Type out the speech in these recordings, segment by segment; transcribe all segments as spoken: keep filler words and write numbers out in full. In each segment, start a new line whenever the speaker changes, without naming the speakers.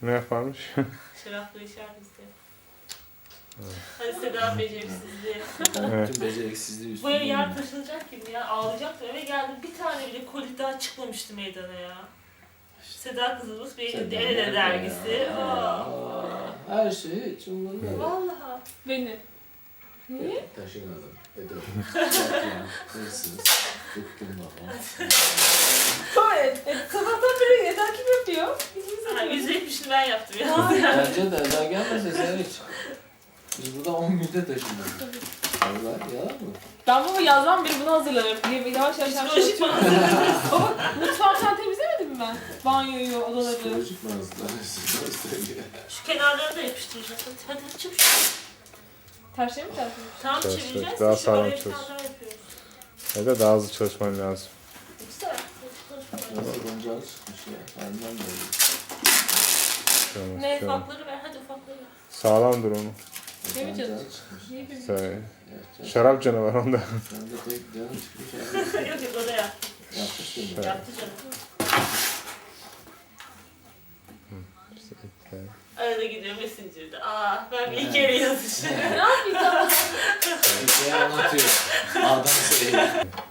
Ne yaparmış?
Şarapla içer bizde. Evet. Hadi Seda beceriksizliği.
Evet. Bütün beceriksizliği
Bu ev
üstüne.
yer taşınacak gibi ya. Ağlayacaktım. Eve geldim. Bir tane bile kolik daha çıkmamıştı meydana ya. Seda kızımız bir elinde El Ele dergisi. Aa.
Her şey hiç umurumda değil.
Vallahi.
Beni. Niye?
Taşımadım. Bedava. Yapma. Hırsız. Bıktım baba.
Evet. evet. Sabahtan beri Eda kim yapıyor? Biz
Ha, yüzde yetmişini ben yaptım ya.
Bence de Eda gelmese sen hiç. Biz burada on günde taşındık. Allah yalan mı?
Ben baba yazdan beri bunu hazırlanıyorum. Yavaş yavaş yavaş
Psikolojik
çalışıyorum. Baba mutfağı sen temizlemedin mi ben? Banyoyu, odaları.
Psikolojik manzara.
Şu kenarlarını da yapıştıracağız. Hadi hadi çabuk.
Tersine mi tersine?
Tam
Evet,
çevireceğiz.
evet, daha
Daha
sağlam
sağlam
çalış.
yapıyoruz.
Ya da daha hızlı çalışman lazım.
Güzel.
Nasıl goncalı çıkmış ya. Benden de öyle.
Tamam,
Ne
tamam.
ufakları ver. Hadi ufakları ver.
Sağlam dur onu.
Ne mi canım?
Goncalı çıkmış.
Niye bilmiyorum.
Sen,
Evet,
şarap canavarı onda.
Sen de tek canım çıkmış.
yok yok o da yaptı.
Yapmış değil mi?
Evet.
Yaptı canım.
İşte ilk yani.
Arada gidiyor Messenger'da. Aa ben bir iki yere yazışıyorum.
Ne yapayım tamam.
Bir şey anlatıyor. Adam söylüyor.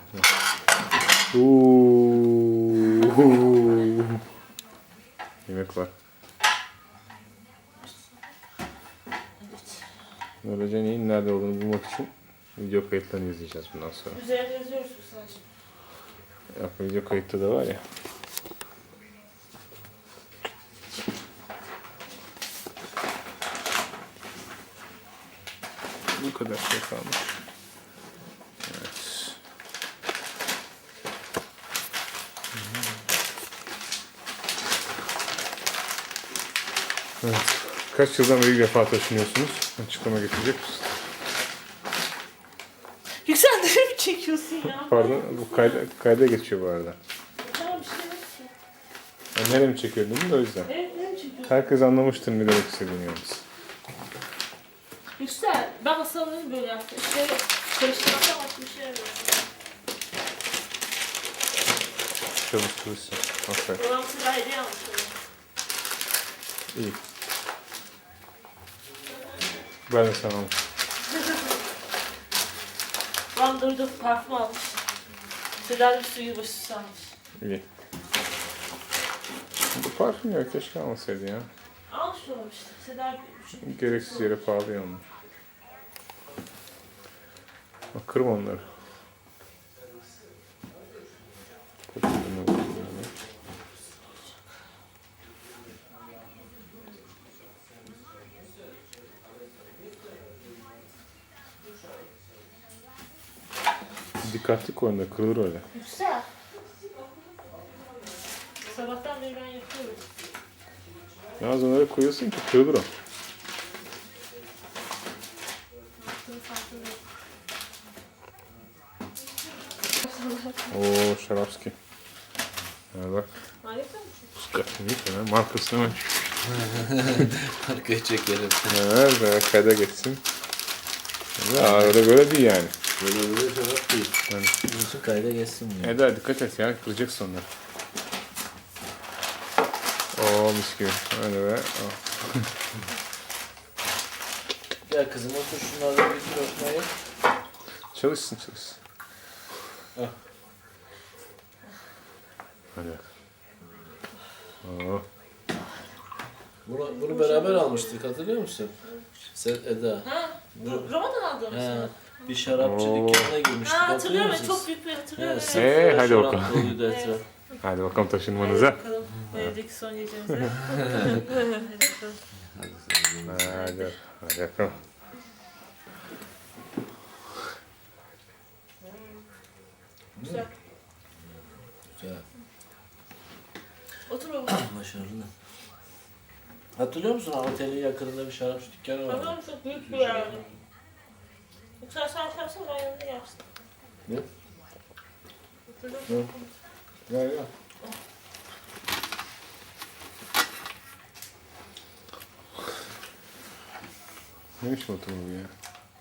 Uuuu. Yemek var. Böylece neyin nerede olduğunu bulmak için video kayıtlarını izleyeceğiz bundan sonra.
Üzerine yazıyoruz sadece.
Yok, video kayıtta da var ya. Bu kadar şey kalmış. Evet. Evet. Kaç yıldan beri ilk defa taşınıyorsunuz? Açıklama getirecek misin?
Yükseltleri mi çekiyorsun ya?
Pardon, bu kayda, kayda geçiyor bu arada.
Tamam bir şey yok ki.
Yani nereye mi çekiyordun da o yüzden.
Evet ne mi çekiyorsun?
Herkes anlamıştır ne demek istediğini yalnız.
Yüksel. Ben masalını böyle yaptım. İşte karıştırmaktan başka bir şey yapıyorum.
Çalıştırırsın. Aferin.
Babam silah hediye almış öyle.
İyi. Ben de sana almışım.
Babam durdu parfüm almış. Seda bir suyu başı almış.
İyi. Bu parfüm ya keşke almasaydı ya.
Almış babam işte. Seda bir şey.
Gereksiz yere pahalı yanmış. Bak kırma onları. Kocaman oldu yani. Dikkatli koyun da kırılır öyle.
Yüksel. Sabahtan beri ben yapıyorum.
Yalnız onları koyuyorsun ki kırılır o.
Yaptığım farkındayım.
Oo Şarapski. Ha bak.
Harika mısın?
Dikkatli değil mi? Markasını mı?
Arkaya çekerim.
Evet, evet, kayda geçsin. Ya öyle böyle değil yani.
Böyle böyle şarap değil.
Yani.
Nasıl kayda geçsin mi?
Eda dikkat et ya, kıracaksın onları. Oo mis gibi. Öyle be. Oh.
Gel kızım otur şunlardan bir tür öpmeyi.
Çalışsın çalışsın.
Ah.
Hadi. Oo.
Bunu, bunu beraber almıştık hatırlıyor musun? Sen Eda.
Ha?
Bu-
Roma'dan aldığım
He,
sana.
bir şarapçı
Oo.
dükkanına girmiştik
Ha
hatırlıyor
hatırlıyorum ben.
musunuz?
Çok büyük bir hatırlıyorum.
He,
Evet.
sırf
Ee, hadi
şarap
bakalım.
doluydu etraf.
Hadi bakalım
Hadi
taşınmanıza.
bakalım. Bu evdeki son gecemize. Hadi bakalım.
Hadi. Hadi bakalım.
Güzel.
Güzel.
Otur baba.
Başarılı. Hatırlıyor musun? Otelin yakınında bir şarapçı dükkanı vardı.
Tamam çok büyük bir yer. Yoksa sen şey yapsana ben yanında yersin.
Ne?
Hatırlıyor musun?
Gel gel.
Ne biçim oturma bu ya?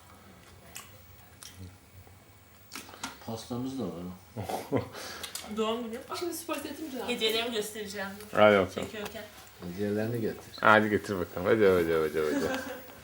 Pastamız da var.
Doğum günü.
Şimdi spor setim canım.
Hediyelerimi göstereceğim.
Hadi bakalım.
Çekiyorken.
Diğerlerini getir.
Hadi getir bakalım. Hadi hadi hadi hadi.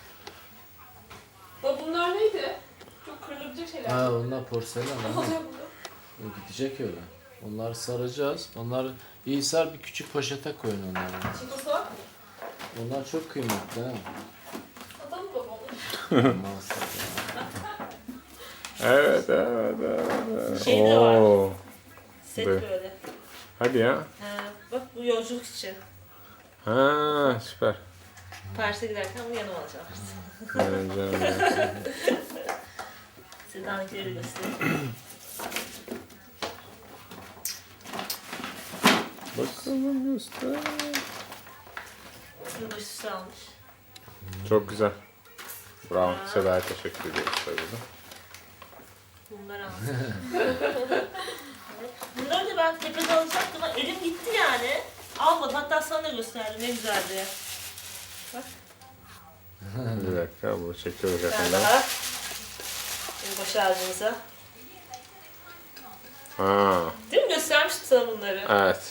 Bak bunlar neydi? Çok kırılabilecek şeyler.
Ha onlar porselen
Ne
ama
oluyor burada?
gidecek öyle. Onları saracağız. Onları iyi sar, bir küçük poşete koyun onları.
Çikosu var mı?
Onlar çok kıymetli ha.
Atalım mı babamı?
Maalesef ya.
Evet evet evet.
Şey de var.
Oo.
Set
Böyle.
böyle.
Hadi ya.
Ha, bak bu yolculuk için.
Ha süper.
Paris'e giderken bunu yanıma alacağım.
Evet, canım ya.
Seda'nınkileri göstereyim.
Bakalım göster.
Yılbaşısı almış.
Çok güzel. Bravo. Seda'ya teşekkür ediyoruz tabii de.
Bunları almış. Bunları da ben tepede alacaktım ama elim gitti yani. Almadım. Hatta sana da gösterdim. Ne güzel diye. Bak.
Bir dakika bu çekiyoruz
Bir tane
yakında.
daha. Yılbaşı ağacımıza.
Ha
Değil mi? Göstermiştim sana bunları.
evet.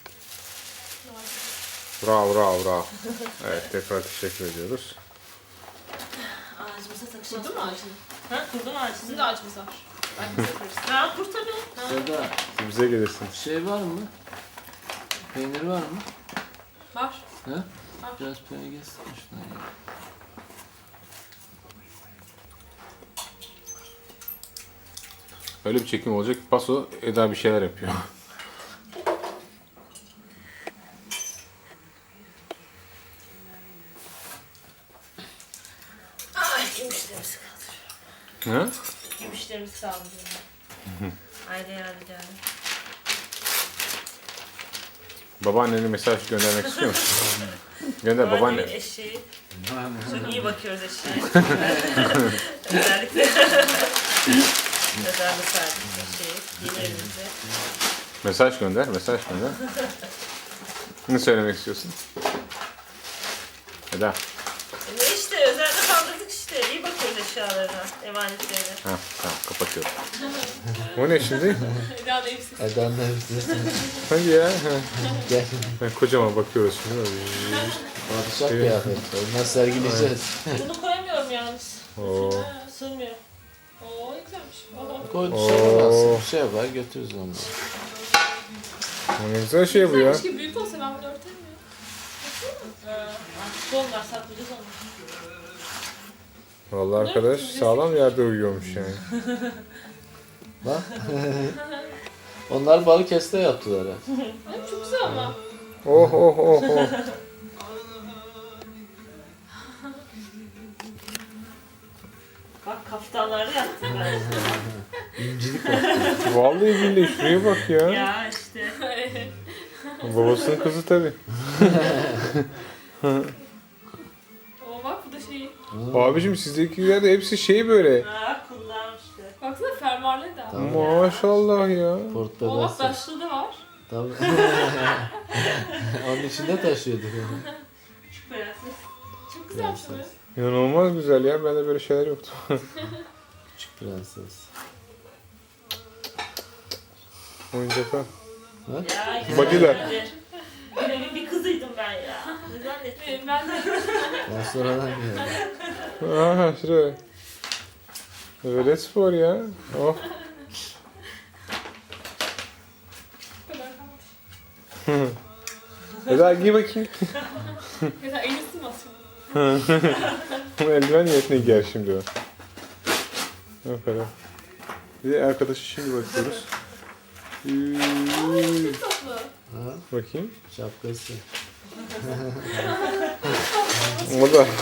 Bravo bravo bravo. Evet tekrar teşekkür ediyoruz.
Ağacımıza takacağız.
Kurdun mu ağacını?
Ha kurdum ağacını.
Sizin de ağacınız var. Belki bize yaparız.
Ha kur tabii. Ha.
Seda,
Bize gelirsin.
şey var mı? Peynir var mı?
Var.
Ha? Biraz peynir gelsin şuna ya.
Öyle bir çekim olacak ki Paso Eda bir şeyler yapıyor.
Ay gümüşlerimizi kaldırıyorum.
Ha?
Gümüşlerimizi kaldırıyorum. Aile yadigarı.
Babaannene mesaj göndermek istiyor musun? Gönder
Babaannemin
babaanne.
eşeği. Çok iyi bakıyoruz eşeğe. Özellikle. Özellikle sardık eşeği. Yeni evimizde.
Mesaj gönder, mesaj gönder. Ne söylemek istiyorsun? Eda.
E ne işte özellikle kaldırdık işte. İyi bakıyoruz eşyalarına, emanetlerine.
Ha, tamam kapatıyorum. O ne şimdi?
Eda da hepsi.
Edan da hepsi.
Hadi ya. Ha.
Gel.
Ben kocaman bakıyoruz şimdi.
Padişah kıyafet. Onları sergileyeceğiz.
Bunu koyamıyorum yalnız.
Oo.
Sığmıyor.
Oo ne güzelmiş. Oo.
Koy
Oo.
dışarıdan alsın. Bir şey var götürürüz onları.
Ne güzel şey bu ya.
Güzelmiş ki büyük olsa ben bunu örterim ya.
Ha, artık onlar saklayacağız onu.
Vallahi arkadaş sağlam yerde uyuyormuş yani.
Bak. Onlar Balıkesir'de yaptılar ha.
Ay çok güzel ama.
Oh oh oh oh.
Bak kaftanlarda yaptım ben.
İncilik var.
Vallahi billahi şuraya bak ya.
Ya işte.
Babasının kızı tabii.
Oo bak bu da şey.
Abicim sizdekiler de hepsi şey böyle.
Ha kullanmış işte.
Baksana fermuarlı da.
Tamam.
Maşallah ya.
Port
Oo bak
bebesi.
başlığı da var.
Tabii. Onun içinde taşıyorduk.
Küçük prenses.
Çok güzelmiş bu.
İnanılmaz güzel ya. Bende böyle şeyler yoktu.
Küçük prenses.
Oyuncaklar.
Ya
Badiler.
Benim bir kızıydım ben ya. Ne zannettin?
Benim ben de.
Ben sonradan geldim.
Aha şuraya. Öyle spor ya. Oh.
Bu kadar kalmış.
Eda giy bakayım.
Mesela elini sığmasın.
Eldiven niyetine giyer şimdi o. O kadar. Bir de arkadaşı şimdi bakıyoruz. Üüüü.
Çok tatlı.
Ha?
Bakayım.
Şapkası.
O da.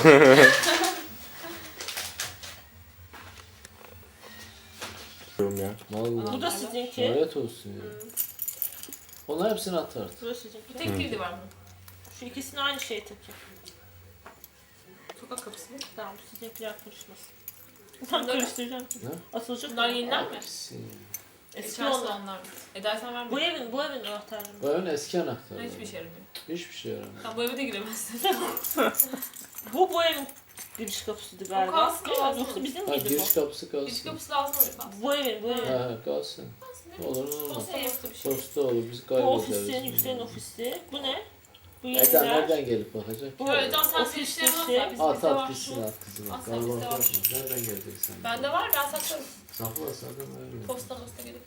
ya.
Vallahi.
Bu da sizinki.
Lanet olsun ya. Onlar hepsini atar.
Bu da sizinki.
Bir tek kilidi var bunun.
Şu ikisini aynı şeye takayım.
Sokak kapısı.
Tamam bu sizinkiler karışmasın. Tam karıştıracağım.
Ne?
Asılacak.
Bunlar yeniler mi?
Hepsi.
Eski
Eski
oldu.
onlar mı? Eda sen verme.
Bu evin, bu evin anahtarı.
Bu evin eski anahtarı.
Hiçbir şey yaramıyor.
Hiçbir şey yaramıyor.
Sen bu eve de giremezsin.
Bu bu evin giriş kapısıydı galiba.
kalsın,
Değil mi?
kalsın.
Yoksa bizim
Ha,
miydi
giriş
bu?
kapısı
Giriş
kalsın.
kapısı lazım oluyor kalsın.
Bu evin, bu evin.
Ha kalsın. Olur olur.
Olsa yoksa bir şey.
Posta olur biz
Bu
kaybederiz.
ofisin, Yüksel'in ofisi. Bu ne? Bu
Eda
yeniler.
nereden gelip bakacak?
Bu
ki?
öyle
Sen
o
sen
pis
işleyemez
şey.
ya. Bizim
At
bizde
at
var.
gitsin at kızım.
At,
Galiba
bizde var.
korkma. Nereden gelecek sen?
Bende var ben saklarım.
Sakla sakın öyle.
Posta posta gelir.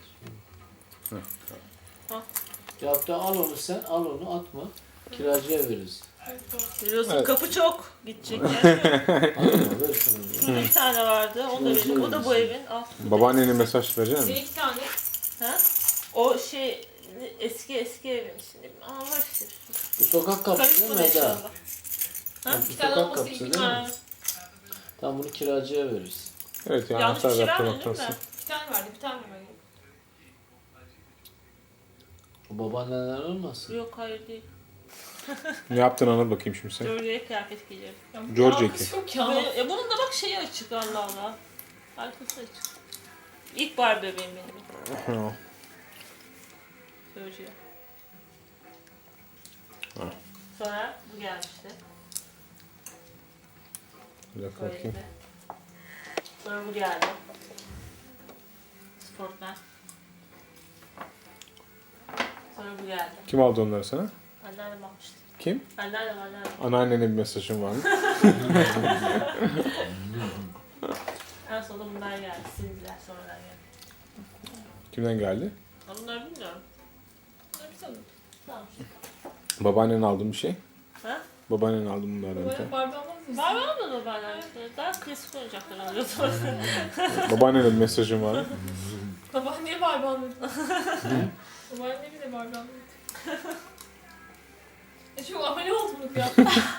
Cevapta al onu sen, al onu atma. Kiracıya veririz.
Evet, doğru.
Biliyorsun
Evet.
kapı çok gidecek yani.
Atma ver şunu.
Şurada bir tane vardı. Onu da vereyim. O da bu evin. Al.
Babaannene mesaj verecek
Bir
misin?
iki tane.
Ha? O şey eski eski evin şimdi. Aa var işte.
Bu sokak kapısı değil
Karışmadı
mi Eda?
inşallah.
Ha?
İki
Bu
tane
sokak
olması
kapısı
iyi
değil
değil
mi?
Ha.
Tamam bunu kiracıya veririz.
Evet yani
Yanlış bir
anahtar
şey
yaptım
vermedin değil mi?
hatası.
Bir tane verdi bir tane verdi.
O babaanneler olmasın?
Yok hayır değil.
Ne yaptın anlat bakayım şimdi sen.
George'ye kıyafet giyiyorum.
Ya bu
George
alakası
iki.
yok ya.
Ve, e, bunun da bak şeyi açık Allah Allah. Arkası açık. İlk bar bebeğim benim.
Ha.
George'ye.
Ha.
Sonra bu gelmişti.
Bir dakika
Böyle.
bakayım.
Sonra bu geldi. Sportman. Sonra bu geldi.
Kim aldı onları sana?
Anneannem almıştı.
Kim?
Anneannem anneannem.
Anneannene bir mesajın var mı?
En sonunda bunlar geldi. Sildiler sonradan geldi.
Kimden geldi?
Ama bunları bilmiyorum.
Bunlar bir tane.
Tamam.
Babaannen aldın bir şey.
Ha?
Babaannen aldın bunlardan bir
Böyle
tane.
Barbie almaz mısın?
Var var mı da benden? Daha klasik oyuncaklar alıyor sonra.
Babaannene bir mesajın var mı?
Babaanneye Barbie almadı. Babaanneye bile Barbie almadı. E çok amele olduk ya.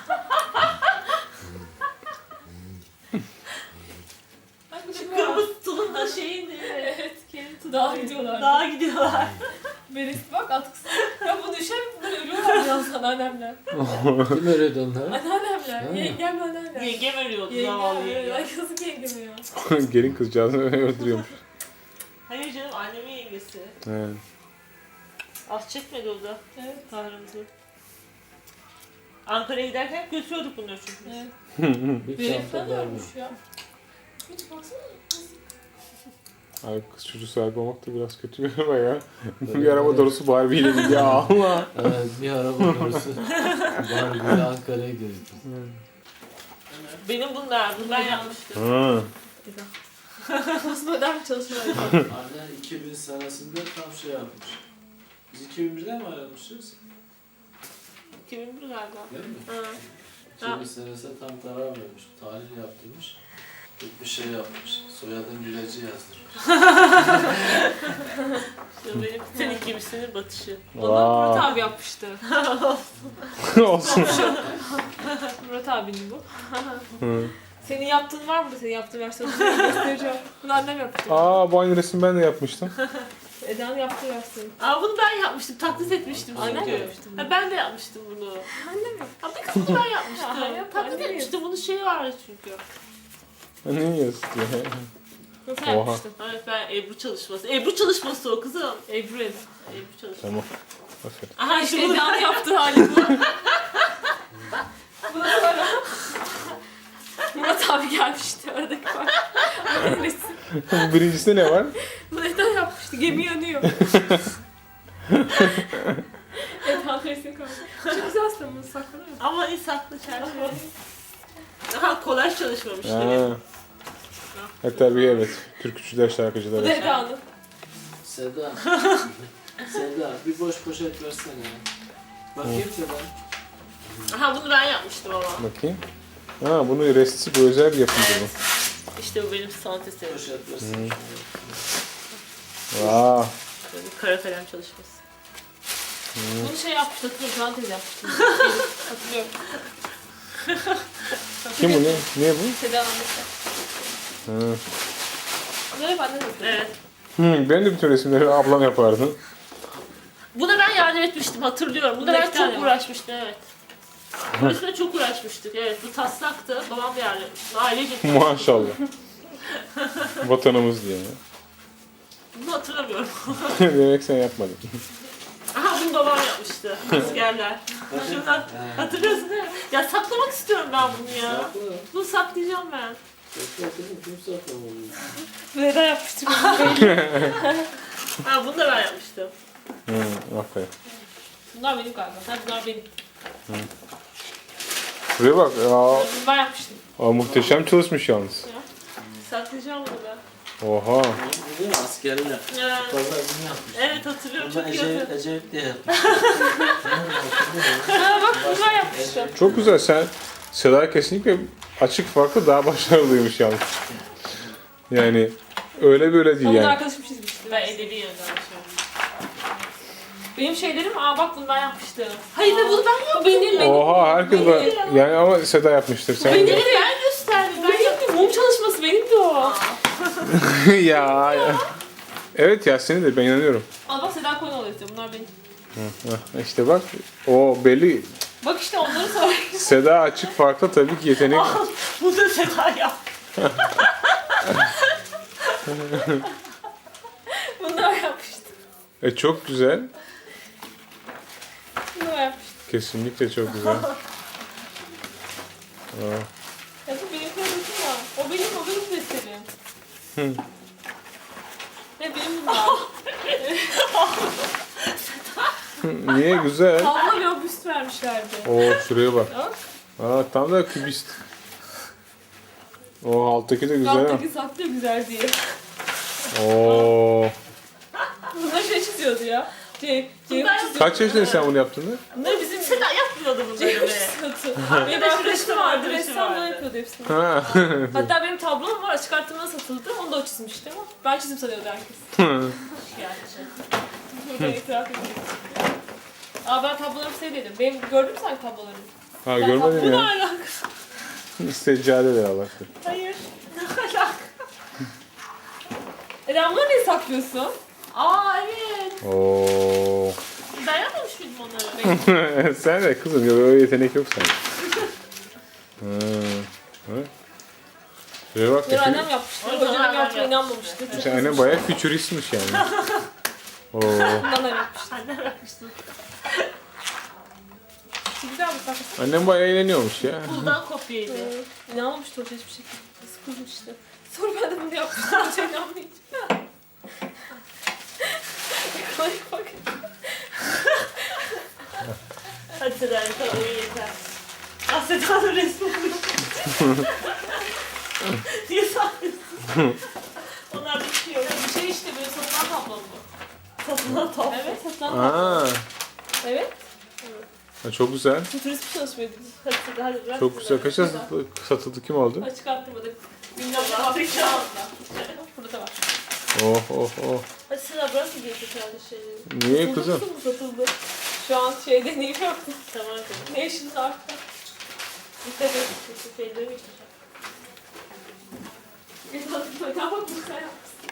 Bak bu şu var.
Kırmızı tulum da şeyin değil mi?
Evet, kendi dağa gidiyorlar.
Dağa gidiyorlar.
Beresi bak atkısı. Ya bu düşer bunlar ölüyorlar birazdan annemler.
Kim öğretti onları?
Anneannemler.
Ha.
Yengem anneannemler.
Yengem ölüyordu zavallı
Yengem.
yengem.
Ay yazık yengem ya.
Gelin kızcağızı öldürüyormuş.
Hayır canım annemin yengesi.
He.
Az çekmedi o da
Evet.
kahrımızı. Ankara'ya giderken götürüyorduk bunları çünkü. biz.
Evet.
Bir
Beresi
çanta
falan
var mı?
ölmüş ya. Hiç baksana.
Abi kız çocuğu sahibi olmak da biraz kötü ama ya. Bir araba dolusu Barbie'yle ya Allah.
Evet bir araba konusu. Barbie'yle Ankara'ya gezdik.
Benim bunlar, bunu ben yapmıştım.
Ha.
Aslında öden bir çalışma var.
Anne iki bin senesinde tam şey yapmış. Biz iki bin birde mi ayrılmışız?
iki bin bir galiba.
Değil mi?
Hı.
iki bin senesinde tam karar vermiş. Tahlil yaptırmış. Bir şey yapmış. Soyadın Güleci yazdırmış.
İşte benim senin gibisin batışı.
Onu Murat
Vay.
abi yapmıştı.
Olsun.
Murat abinin bu.
Hı.
Senin yaptığın var mı? Senin yaptığın versiyonu sana göstereceğim. Bunu annem yaptı.
Aa bu aynı resim ben de yapmıştım.
Eda'nın yaptığı versiyonu.
Aa bunu ben yapmıştım, taklit etmiştim.
Annem
çünkü.
mi yapmıştı bunu?
Ha, ben de yapmıştım bunu.
Annem mi?
Ha bir kısmını ben yapmıştım.
Ya, yap,
taklit
annem
etmiştim, bunun şeyi vardı çünkü.
Ne yazık ya?
Nasıl
Oha.
yapmıştın?
Evet ben Ebru çalışması. Ebru çalışması o kızım.
Ebru Ed.
Ebru çalışması.
Tamam. Aferin.
Aha
İşte
işte bunu
Eda'nın yaptığı hali bu. Buna sonra Murat abi gelmişti aradaki var. Annenin resim.
Birincisinde ne var?
Bunu Eda yapmıştı. Gemi yanıyor. Eda'nın resmi kalmış. Çok güzel aslında bunu saklanıyor.
ama iyi saklı çerçeve. Aha kolaj çalışmamış
Ha.
demek.
Ha tabii evet. Türkçüler,
Bu
şarkıcılar.
da Eda'nın.
Seda. Seda bir boş poşet versene. Bakayım Seda.
Aha bunu ben yapmıştım ama.
Bakayım. Ha bunu resti bu özel bir yapımdı bu.
İşte bu benim sanat eserim.
Poşet versene.
Vaa.
Böyle kara kalem çalışması.
Bunu şey yapmıştı. Hatırlıyorum. Can teyze yapmıştı. Hatırlıyorum.
Kim bu ne? Ne bu?
Seda'nın annesi.
Ha.
Bunları hep annem yapıyor.
Evet.
Hı, ben de bütün resimleri ablam yapardı.
Buna ben yardım etmiştim hatırlıyorum. Buna
Bunda
ben
iki tane
çok
var.
uğraşmıştım evet. Bu resme çok uğraşmıştık evet. Bu taslaktı. Babam da yardım etmişti. Ailece.
Maşallah. Vatanımız diye.
Bunu hatırlamıyorum.
Demek sen yapmadın.
Aha bunu babam yapmıştı. Askerler. Şundan hatırlıyorsun değil mi? Ya saklamak istiyorum ben bunu ya.
Sakla.
Bunu saklayacağım ben.
Sakla kızım kim saklamalı?
Bu Eda yapmıştı.
Ha bunu da ben yapmıştım.
Hı, aferin.
Bunlar benim galiba. Ha, bunlar benim.
Buraya bak. Ya,
Bunu ben yapmıştım.
aa, muhteşem çalışmış yalnız.
Saklayacağım bunu ben.
Oha.
Değil mi? Askerler.
Evet,
Pazarını yapmış.
evet hatırlıyorum
Burada
çok iyi
Ecevit,
hatırlıyorum.
Ecevit diye yapmış.
Ha bak bunu ben yapmıştım.
Çok güzel. Sen Seda kesinlikle açık farklı daha başarılıymış yalnız. Yani öyle böyle değil
Onu da
yani.
arkadaşım çizmişti.
Ben edebi yönden şey.
Benim şeylerim, aa bak bunu ben yapmıştım.
Hayır be bunu ben yaptım.
Benim, benim.
Oha herkes ben, yani ama Seda yapmıştır sen.
Benim
de.
de ben gösterdim. Ben yaptım.
Benim mum çalışması benim de o.
ya, ya. Evet ya seni de ben inanıyorum.
Al bak Seda Koyun oluyor işte. Bunlar benim.
Heh, İşte bak o belli.
Bak işte onları sonra.
Seda açık farklı tabii ki yetenek.
Bu da Seda yaptı.
Bunu da ben yapmıştım.
E çok güzel.
Bunu da ben yapmıştım.
Kesinlikle çok güzel. Aa.
Ya bu benim kıyafetim ya. O benim, o benim destenim.
Hı.
Ne benim bunlar.
Niye güzel?
Tablo ve o büst vermişlerdi.
Oo şuraya bak.
Bak.
Aa tam da kübist. O alttaki de güzel. ha.
Alttaki saplı güzel diye.
Oo.
Bunlar şey çiziyordu ya. C, C
Ben-
çiziyordu.
Kaç yaşındasın sen bunu yaptığında?
Bunlar bizim
Seda yapmıyordu bunları
C
be.
çiziyordu. Benim
Arkadaşım
arkadaşım
ressam
vardı.
arkadaşım
Ressamlar
vardı.
yapıyordu hepsini.
Ha.
Hatta benim tablom var. Açık arttırmada satıldı. Onu da o çizmişti ama ben çizim sanıyordu herkes.
Gerçi.
Burada itiraf edeyim. Aa ben tablolarımı sevdim. Benim gördün mü sen tablolarımı?
ha
Ben
görmedim
tablo- Bu ne
ya.
alaka?
Seccade de Allah'tır.
Hayır. Ne alaka?
Eren bunları niye saklıyorsun?
Aa evet.
Oo.
Ben yapmamış mıydım onları?
Sen de kızım ya öyle yetenek yok sende. Hmm. Ha. Şuraya bak.
Bunları
ya,
annem yapmıştı.
O zaman
Hocam
annem
yaptığına
yaptı.
inanmamıştı. Çok
Sen annem bayağı fütüristmiş yani. Oo.
bundan da yapmıştı.
Annem yapmıştı.
Çok güzel bir saklı.
Annem bayağı eğleniyormuş ya.
Bundan kopyaydı.
İnanmamıştı hoca hiçbir şekilde. Nasıl kızmıştı. Sonra ben de bunu yapmıştım. Hoca inanmayınca. Bak bak.
Hadi Seda yeter, o yeter. Ah Seda'nın resmi oluyor. Niye saklıyorsun? Onlar bir şey yok.
Bir şey işte böyle satılan tablo bu.
Satılan top.
Evet satılan tablo.
Aa.
Evet.
Ha, çok güzel.
Futurist bir çalışmaydı.
Hadi Seda hadi bırak.
Çok güzel. Kaça satıldı, satıldı kim aldı?
Açık arttırmada. Bilmem ne fabrika aldılar. Burada da var.
Oh oh oh.
Hadi Seda bırak mı gelecek kardeşleri?
Niye kızım?
Satıldı mı satıldı? Şu an şey deneyim yaptım.
Tamam canım.
Ne işiniz arttı?
Dikkat et. Çünkü şeyleri yıkayacak.
Feda bak bunu sen yapmışsın.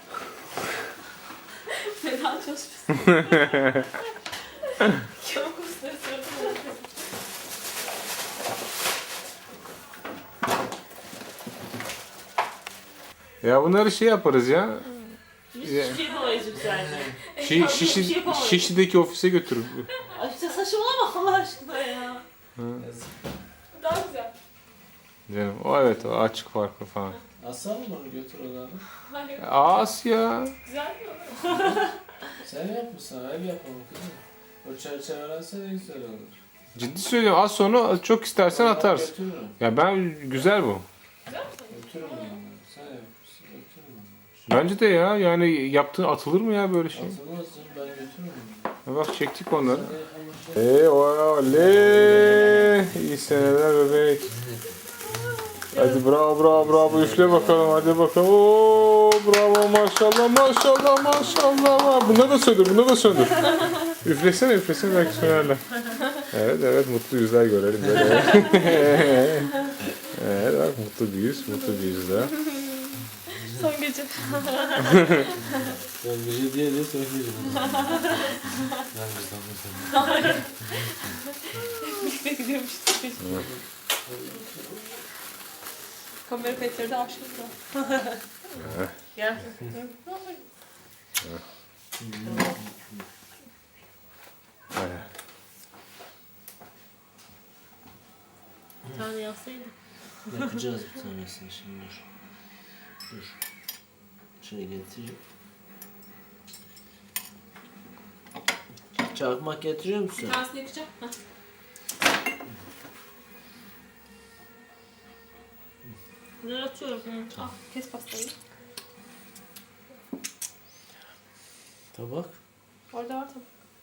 Feda çalışmışsın. Çok usta
Ya bunları şey yaparız ya.
Biz
Ya.
hiçbir şey yapamayız güzelce.
Şi, şişi, Şişli'deki ofise götürüp.
Ay işte saçmalama Allah aşkına ya.
Daha güzel.
Canım o evet o açık farklı falan.
Aslan mı onu götür odanı?
Hayır.
As ya.
Güzel mi?
Sen yapmışsın, ev yapalım kızım. O çerçevelense ne güzel olur.
Ciddi söylüyorum az sonra çok istersen
Ben
atarsın.
Götürürüm.
Ya ben güzel bu.
Güzel mi?
Götürürüm onu. Sen yapmışsın, götürürüm onu.
Bence de ya yani yaptığın atılır mı ya böyle şey?
Atılmazsın, ben götürürüm
Ya bak çektik onları.
onu. Sen yapamazsın.
Eee oley. İyi seneler bebek. Hadi bravo bravo bravo üfle bakalım hadi bakalım. Oo bravo maşallah maşallah maşallah. Bunları da söndür bunları da söndür. Üflesene üflesene belki sönerler. Evet evet mutlu yüzler görelim böyle. Evet bak mutlu bir yüz mutlu bir yüz daha.
Son gece.
Ben gece diye diye söyleyeceğim. Ben bizden
Birlikte gidiyormuştuk. Kamera kayıtları da aşağıda.
Gel. Bir tane yapsaydın.
Yapacağız bir tanesini şimdi dur. Dur. Şöyle getireyim. Çakmak getiriyor musun?
Bir tanesini yakacağım. Heh.
Bunları atıyorum.
Hı. Al kes pastayı.
Tabak.
Orada var tabii.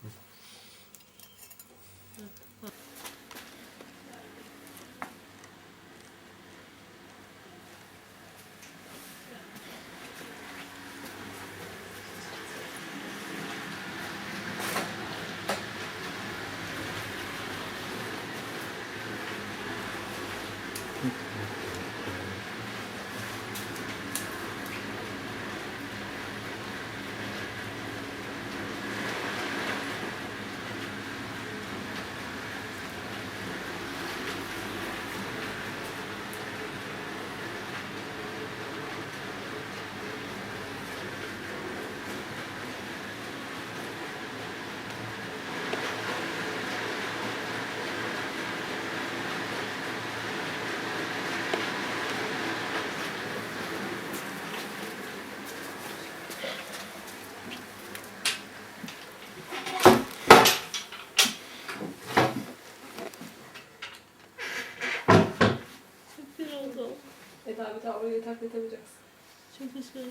Çok güzel oldu.
Eda bir daha orayı taklit edemeyeceksin.
Çok güzel.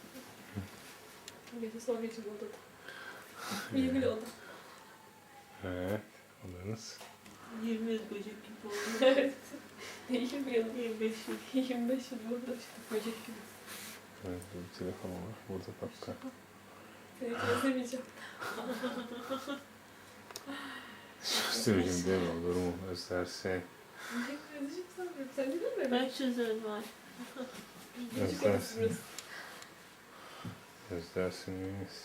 Gece sonra için odada. Yemin oldu.
Evet. Alırız.
yirmi yıl böcek gibi oldu.
Evet. yirmi yıl.
yirmi beş yıl.
yirmi beş yıl burada işte böcek gibi.
Evet, bir telefon var. Burada dakika.
Seni hiç özlemeyeceğim.
Söyleyeyim değil mi? Olur mu? Özlersin.
Özleyeceğim sanmıyorum. Sen değil mi?
Ben çözerim var.
Küçük
Özlersin.
odası burası.
Özlersiniz.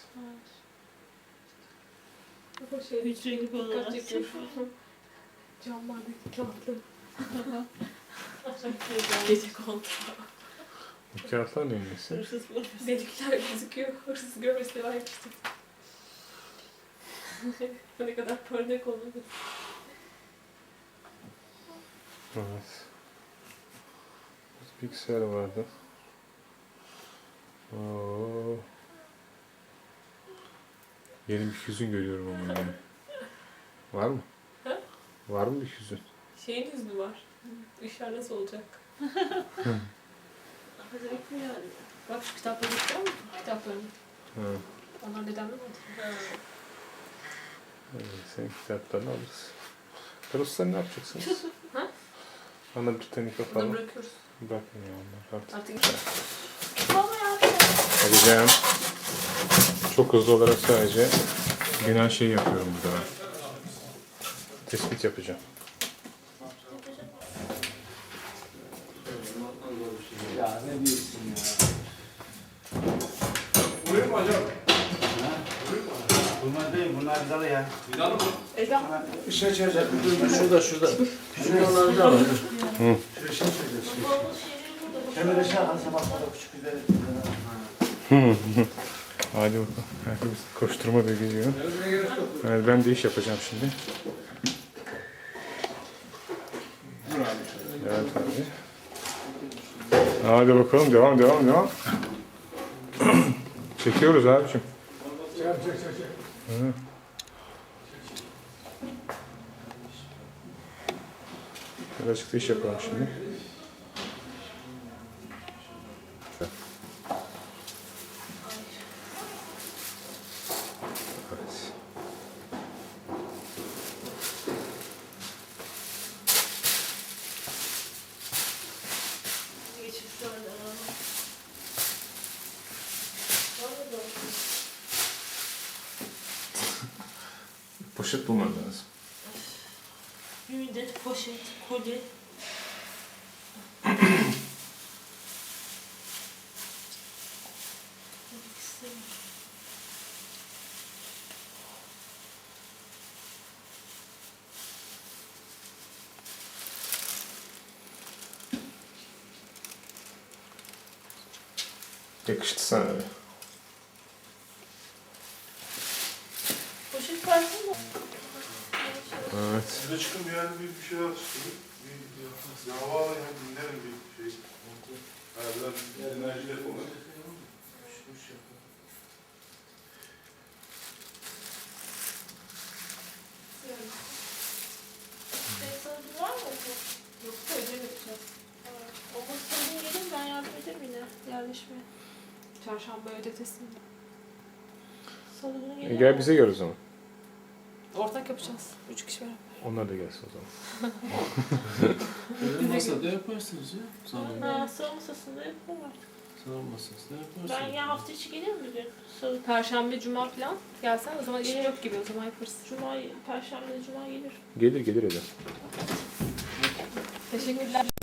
O şey,
Hücre gibi
dikkat
olarak.
çekiyor. Camlardaki kağıtlı. Gece kontağı.
Bu kağıtlar neyin nesi?
Hırsız bulursun.
Delikler gözüküyor. Hırsız görmesi devam etmiştim. Ne kadar parmak olmadı.
Evet. Bilgisayar vardı. Oo. Yeni bir hüzün görüyorum ama yani. Var mı?
Ha?
Var mı bir hüzün?
Şeyin hüznü var. İşler nasıl olacak?
Hazırlıklı yani.
Bak şu kitapları istiyor musun? Kitaplarını.
Ha.
Onlar dedemden mi?
Ha.
Evet, senin kitaplarını alırız. Karoslar ne yapacaksınız?
Ha?
Ana Britannica
Bunu
falan.
bırakıyoruz.
Bırakmıyor onlar artık.
Artık
Baba ya.
Alacağım. Çok hızlı olarak sadece genel şey yapıyorum burada. Tespit yapacağım.
Ya ne diyorsun ya?
Buyur mu hocam?
Bunlar değil, bunlar vidalı ya.
Vidalı mı?
Eda.
Işığı çözecek.
Şurada şurada. Şuraları da var.
Şu ışığı çözecek.
Babamın şeyleri burada.
Hemen ışığı alsa bak burada küçük vidalı.
Hadi bakalım. Herkes koşturma da gidiyor. Evet, ben de iş yapacağım şimdi. Evet abi. Hadi bakalım, devam devam devam. Çekiyoruz abiciğim.
Çek çek çek çek.
Hı. Birazcık da iş yapalım şimdi. Evet.
Geçip sonra.
Poşet bulman lazım.
Bir müddet poşet, koli.
Yakıştı sana öyle.
Poşet farklı mı?
Evet.
Size çıkın bir yerde bir, bir şeyler çıkın. Bir, bir, bir hava alayım, dinlerim bir şey. Ha, biraz enerjiyle falan.
Senin sanatın var mı?
Yoksa ödemeyeceğiz.
Ama sorun gelir
Haberleşme. Çarşamba ödetesinde.
Salı günü
E,
gelir.
gel bize gel o zaman.
Ortak yapacağız. Üç kişi beraber.
Onlar da gelsin o zaman.
Böyle masada yaparsınız ya. Salon.
Ha, salı masasında yapalım artık.
Salon masasında yaparsınız.
Ben ya hafta içi gelirim bir gün. Salı,
Perşembe, cuma falan gelsen o zaman işim yok gibi o zaman yaparız.
cuma, perşembe, cuma gelir.
Gelir gelir eder.
Teşekkürler.